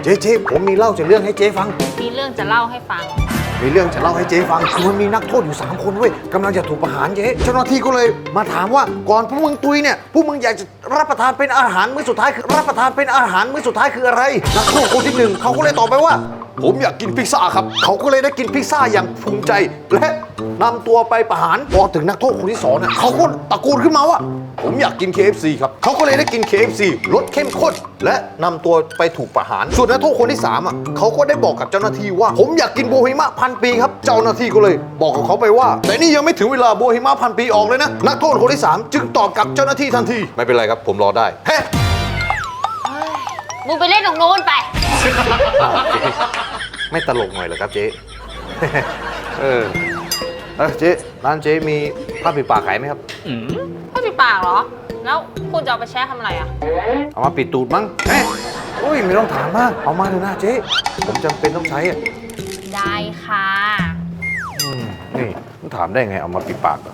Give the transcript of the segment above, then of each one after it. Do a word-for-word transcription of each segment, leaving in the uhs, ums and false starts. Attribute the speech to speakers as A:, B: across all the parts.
A: เจ๊เจ๊ผมมีเล่าจะเรื่องให้เจ๊ฟัง
B: มีเรื่องจะเล่าให้ฟัง
A: มีเรื่องจะเล่าให้เจ๊ฟังคือมันมีนักโทษอยู่สามคนเว้ยกำลังจะถูกประหารเจ๊เจ้าหน้าที่ก็เลยมาถามว่าก่อนพวกมึงตุยเนี่ยพวกมึงอยากจะรับประทานเป็นอาหารมื้อสุดท้ายคือรับประทานเป็นอาหารมื้อสุดท้ายคืออะไรนักโทษคนที่หนึ่งเขาก็เลยตอบไปว่าผมอยากกินพิซซ่าครับเขาก็เลยได้กินพิซซ่าอย่างภูมิใจและนำตัวไปประหารพอถึงนักโทษคนที่สองเนี่ยเขาก็ตะโกนขึ้นมาว่าผมอยากกิน เค เอฟ ซี ครับเขาก็เลยได้กิน เค เอฟ ซี รสเข้มข้นและนำตัวไปถูกประหารส่วนนักโทษคนที่สามอ่ะเขาก็ได้บอกกับเจ้าหน้าที่ว่าผมอยากกินโบฮิมะพันปีครับเจ้าหน้าที่ก็เลยบอกกับเขาไปว่าแต่นี่ยังไม่ถึงเวลาโบฮิมะพันปีออกเลยนะนักโทษคนที่สามจึงตอบกับเจ้าหน้าที่ทันทีไม่เป็นไรครับผมรอได้เฮ้
B: มึงไปเล่นตรงโน้นไป
A: ไม่ตลกหน่อยเหรอครับเจ๊ เออเออเจ๊ร้านเจ๊มีผ้าปิดปากขายไหมครับ
B: ผ้าปิดปากเหรอแล้วคุณจะเอาไปแช่ทำอะไรอ่ะ
A: เอามาปิดตูดมั้งเฮ้ยอุ้ยไม่ต้องถามมากเอามาเถอะนะเจ๊ผมจำเป็นต้องใช้อ่ะ
B: ได้ค่ะ
A: อืมนี่ต้องถามได้ไงเอามาปิดปากเหรอ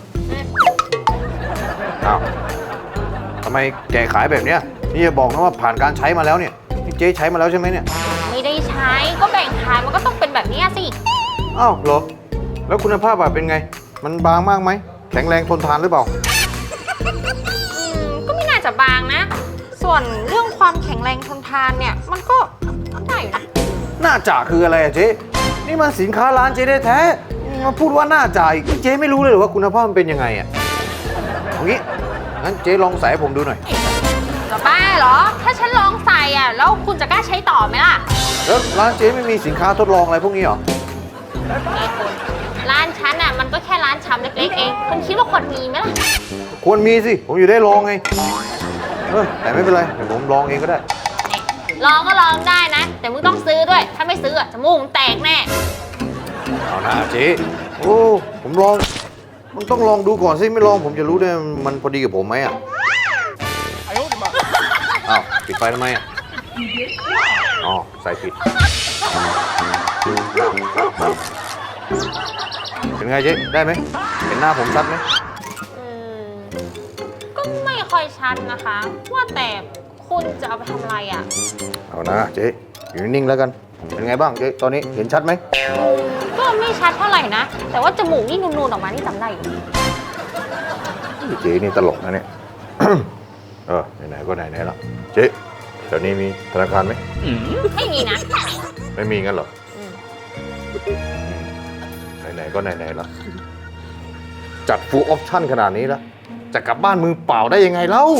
A: อ้าวทำไมแกขายแบบเนี้ยนี่จะบอกนะว่าผ่านการใช้มาแล้วเนี่ยนี่เจ๊ใช้มาแล้วใช่ไหมเนี่ย
B: ไม่ได้ใช้ก็แบ่งขายมันก็ต้องเป็นแบบนี้สิ
A: อ้าวเหรอแล้วคุณภาพแบบเป็นไงมันบางมากไหมแข็งแรงทนทานหรือเปล่า
B: อืมก็ไม่น่าจะบางนะส่วนเรื่องความแข็งแรงทนทานเนี่ยมันก็ได้อยู่นะ
A: น่าจ่าคืออะไรอะเจ๊นี่มันสินค้าร้านเจ๊ได้แท้มาพูดว่าน่าจ่าอีกเจ๊ไม่รู้เลยหรือว่าคุณภาพมันเป็นยังไงอะเอางี้งั้นเจ๊ลองใส่ให้ผมดูหน่อย
B: จะบ้าเหรอถ้าฉันลองใส่อ่ะแล้วคุณจะกล้าใช้ต่อไหมล่ะ
A: แล้วร้านเจ๊ไม่มีสินค้าทดลองอะไรพวกนี้หรอ
B: นี่คุณร้านฉันอ่ะมันก็แค่ร้านชำเล็กๆเองคุณคิดว่าควรมีไหมล่ะ
A: ควรมีสิผมอยู่ได้ลองไงเออแต่ไม่เป็นไรเดี๋ยวผมลองเองก็ได้
B: ลองก็ลองได้นะแต่มึงต้องซื้อด้วยถ้าไม่ซื้ออ่ะจมูกมึงแตกแน่
A: เอาหน้าเจ๊โอ้ผมลองมันต้องลองดูก่อนสิไม่ลองผมจะรู้ได้มันพอดีกับผมไหมอ่ะอ้าวปิดไฟทำไมอ่ะอ๋อใส่ผิดเป็นไงเจ๊ได้ไหมเห็นหน้าผมชัดไหม
B: อืมก็ไม่ค่อยชัดนะคะว่าแต่คุณจะเอาไปทำอะไรอ่ะ
A: เอานะเจ๊อยู่นิ่งๆแล้วกันเป็นไงบ้างเจ๊ตอนนี้เห็นชัดไหม
B: ก็ไม่ชัดเท่าไหร่นะแต่ว่าจมูกนี่นูนๆออกมานี่จำได้อยู่
A: เจ๊นี่ตลกนะเนี่ย เออไหนๆก็ไหนๆแล้วเจ๊แถวนี้มีธนาคารไหม
B: ไม่มีนะ
A: ไม่มีงั้นเหรอไหนๆก็ไหนๆแล้วจัดฟูลออปชั่นขนาดนี้แล้วจะกลับบ้านมือเปล่าได้ยังไงเล่า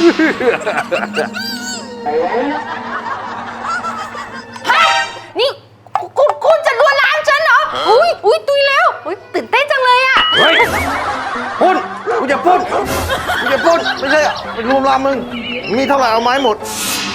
B: นี่คุณคุณจะลวนลามฉันเหรออุ้ยอุ้ยตุยแล้วอุ้ยตื่นเต้นจังเลยอ่ะ
A: เฮ้ยปุ้นกูจะปุ้นกูจะปุ้นไม่ใช่ไปรวมลามมึงมีเท่าไหร่เอาไม้หมด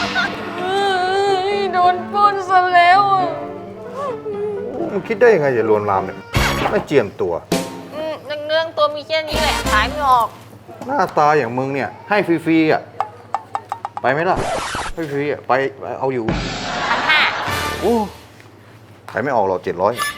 B: โดนปุ้นซะแล้ว
A: มึงคิดได้ยังไงจะรวมลามเนี่ยไม่เจียมตัว
B: เรื่องตัวมีแค่นี้แหละขายไม่ออก
A: หน้าตาอย่างมึงเนี่ยให้ฟรีๆอ่ะไปไหมล่ะให้ฟรีอ่ะไปเอาอยู่
B: พันห้า
A: โอ้ขายไม่ออกหรอกเจ็ดร้อย